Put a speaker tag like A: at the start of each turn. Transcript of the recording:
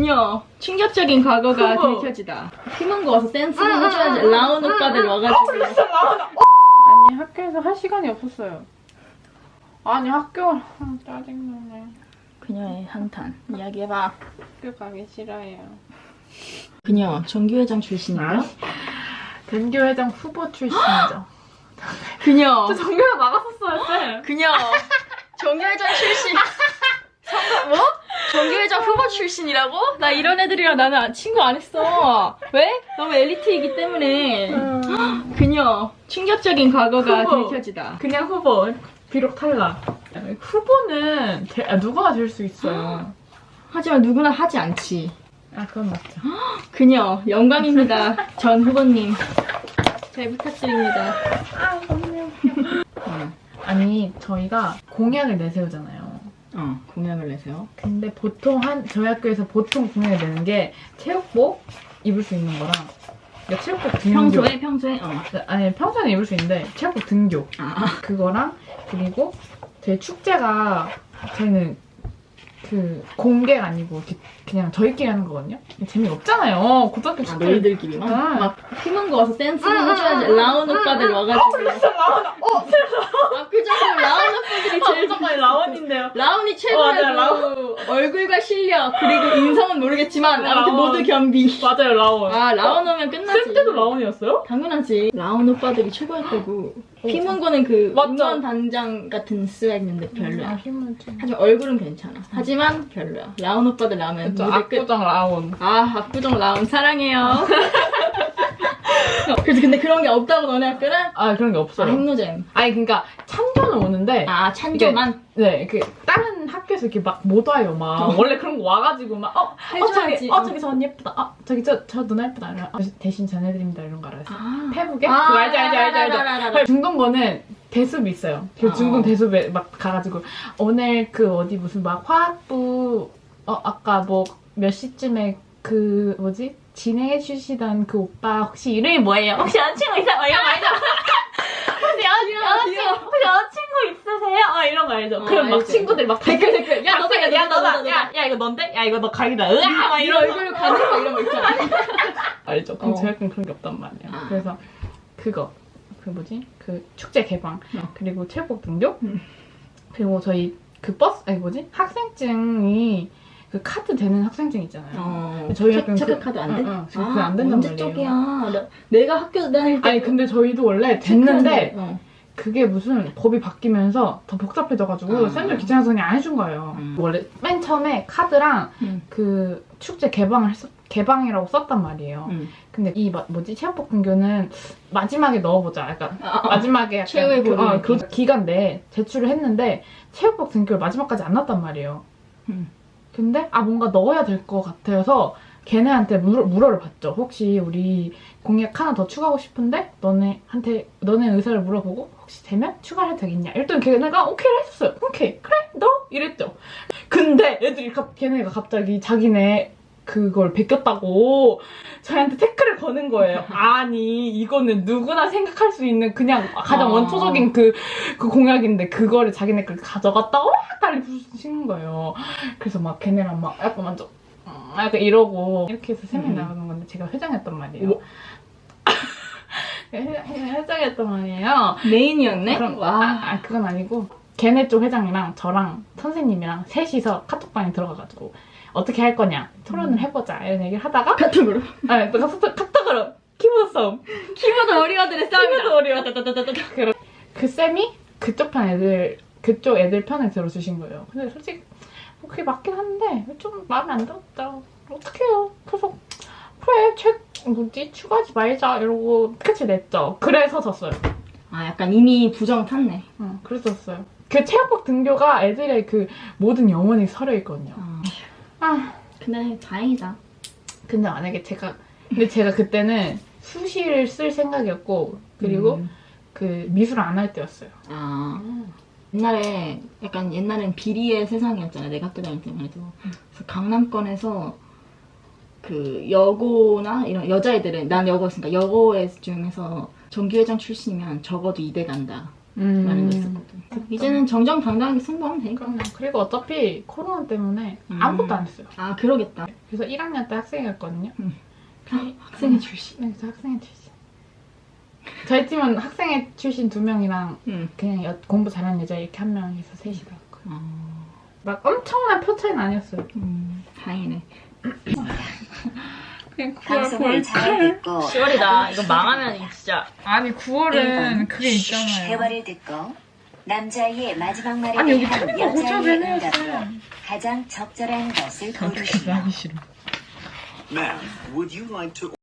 A: 그녀 충격적인 과거가 들켜지다. 팀원고 와서 댄스를 해줘야지. 라온 오빠들 와가지고.
B: 아니 학교에서 할 시간이 없었어요. 아니 학교 짜증나네.
A: 그녀의 한탄 이야기해봐.
B: 학교 가기 싫어요.
A: 그녀 정규회장 출신인가?
B: 전교회장 후보 출신이죠.
A: 그녀
B: 저 전교회장 나갔었어요, 쌤.
A: 그녀 정규회장 출신. 뭐? 정규회장 후보 출신이라고? 나 이런 애들이랑 나는 친구 안 했어. 왜? 너무 엘리트이기 때문에. 그녀 충격적인 과거가
B: 후보.
A: 들켜지다.
B: 그냥 후보. 비록 탈락. 후보는 누구나 될 수 있어요.
A: 하지만 누구나 하지 않지.
B: 아 그건 맞죠.
A: 그녀 영광입니다. 전 후보님 잘 부탁드립니다.
B: 아니 저희가 공약을 내세우잖아요.
A: 공약을 내세요.
B: 근데 보통 저희 학교에서 보통 공약을 내는 게 체육복 입을 수 있는 거랑 그러니까 체육복 등교.
A: 평소에.
B: 아니 평소에는 입을 수 있는데 체육복 등교. 그거랑 그리고 저희 축제가 저희는 그 공개가 아니고 그냥 저희끼리 하는 거거든요. 재미가 없잖아요. 고등학교 축제.
A: 너희들끼리만? 막 팀원고 와서 댄스를 해줘야지. 라온 오빠들 와가지고.
B: 라온.
A: 압구정으로 라온 오빠들이 제일
B: 잠깐만 라온인데요.
A: 라온이 최고라고. 얼굴과 실력 그리고 인성은 모르겠지만 아무튼 모두 겸비.
B: 맞아요 라온.
A: 라온 오면 끝나지.
B: 쌤 때도 라온이었어요?
A: 당연하지. 라온 오빠들이 최고였다고. 팀원고는 그
B: 맞죠?
A: 응원 단장 같은 스웩인데 별로야.
B: 힘들지.
A: 하지만 얼굴은 괜찮아. 하지만 별로야. 라온 오빠들 나오면
B: 그쵸,
A: 무대 끝.
B: 압구정 라온.
A: 압구정 라온 사랑해요. 그래서 근데 그런 게 없다고 너네 학교는?
B: 아 그런 게 없어요.
A: 핵노잼.
B: 아니 그러니까 찬조는 오는데.
A: 찬조만?
B: 네, 다른 학교에서 이렇게 막 못 와요, 막. 원래 그런 거 와가지고 막,
A: 해줘야지.
B: 저기 저 언니 예쁘다. 저기 저 누나 예쁘다. 이러면, 대신 전해드립니다. 이런 거 알아요. 페북에? 그거 알죠. 중동고는 대숲이 있어요. 그 중동 대숲에 막 가가지고, 오늘 그 어디 무슨 막 화학부, 아까 뭐 몇 시쯤에 그, 뭐지? 진행해주시던 그 오빠 혹시 이름이 뭐예요? 혹시 여자친구 있어요? 이런 거 알죠? 혹시 여자친구 있으세요? 이런 거 알죠? 그럼 막
A: 알죠.
B: 친구들 막
A: 댓글. 야, 너다.
B: 야, 이거 넌데? 야, 이거 너 각이다. 으아! 막 이런
A: 얼굴 가는 거 이런 거 있잖아.
B: 알죠? 그럼 저희 학교는 그런 게 없단 말이에요. 그래서 그거. 그 뭐지? 그 축제 개방. 그리고 체육복 등교. 그리고 저희 그 버스, 아니 뭐지? 학생증이 그 카드 되는 학생증 있잖아요. 저희 학교는
A: 체크카드 안 돼?
B: 그게 안 된단
A: 언제
B: 말이에요.
A: 쪽이야? 내가 학교 다닐 때.
B: 아니 근데 저희도 원래 됐는데
A: 체크카드,
B: 그게 무슨 법이 바뀌면서 더 복잡해져가지고 쌤들 귀찮아서 그냥 안 해준 거예요. 원래 맨 처음에 카드랑 그 축제 개방이라고 썼단 말이에요. 근데 이 뭐지 체육복 등교는 마지막에 넣어보자. 약간 마지막에 약간
A: 최후의 보루.
B: 그 기간 내에 제출을 했는데 체육복 등교를 마지막까지 안 넣었단 말이에요. 근데 뭔가 넣어야 될 것 같아서 걔네한테 물어를 봤죠. 혹시 우리 공약 하나 더 추가하고 싶은데 너네 의사를 물어보고 혹시 되면 추가해도 되겠냐? 이랬더니 걔네가 오케이를 했었어요. 오케이 그래 너 이랬죠. 근데 걔네가 갑자기 자기네 그걸 베꼈다고 저희한테 태클을 거는 거예요. 아니 이거는 누구나 생각할 수 있는 그냥 가장 원초적인 그 공약인데 그거를 자기네 걸 가져갔다고 난리 부르시는 거예요. 그래서 막 걔네랑 막 약간 먼저 약간 이러고 이렇게 해서 3명이 나가는 건데 제가 회장이었단 말이에요. 회장이었단 말이에요.
A: 메인이었네?
B: 그럼 그건 아니고 걔네 쪽 회장이랑 저랑 선생님이랑 셋이서 카톡방에 들어가가지고 어떻게 할 거냐 토론을 해보자 이런 얘기를 하다가
A: 카톡으로?
B: 네, 또 카톡으로 키보드 싸움.
A: 키보드 어리어들의 싸움이다.
B: 키보드 어리어. 그 쌤이 그쪽 애들 편을 들어주신 거예요. 근데 솔직히 그게 맞긴 한데 좀 마음에 안 들었다. 어떡해요. 그래서 그래 추가하지 말자 이러고 끝이 냈죠. 그래서 졌어요.
A: 약간 이미 부정 탔네.
B: 그래서 졌어요. 그 체육복 등교가 애들의 그 모든 영혼이 서려있거든요.
A: 근데 다행이다.
B: 근데 만약에 제가 그때는 수시를 쓸 생각이었고 그리고 그 미술 안 할 때였어요.
A: 옛날엔 비리의 세상이었잖아. 내가 학교 다닐 때만 해도. 그래서 강남권에서 그 여고나 이런 여자애들은 난 여고였으니까 여고애 중에서 정규회장 출신이면 적어도 2대 간다. 라는 거 있었거든. 이제는 정정당당하게 승부하면 되니까.
B: 그럼요. 그리고 어차피 코로나 때문에 아무것도 안 했어요.
A: 아 그러겠다.
B: 그래서 1학년 때 학생이었거든요.
A: 학생회 출신.
B: 네, 저 학생회 출신. 저희 팀은 학생회 출신 2명이랑 그냥 공부 잘하는 여자 이렇게 한 명에서 셋이 나왔고요. 막 엄청난 표 차이는 아니었어요.
A: 다행이네.
B: 그냥
C: 방송을 잘 듣고
A: 10월이다. 이거 망하면 진짜.
B: 아니 9월은 그게 있잖아요.
C: 대화를 듣고 남자의 마지막 말에
B: 아니 여기
C: 대한
B: 틀린 거
C: 여자의
B: 고쳐내네요.
C: 응답으로 가장 적절한 것을
B: 그렇게
C: 고르시오.
B: 하기 싫어.
D: Ma'am, would you like to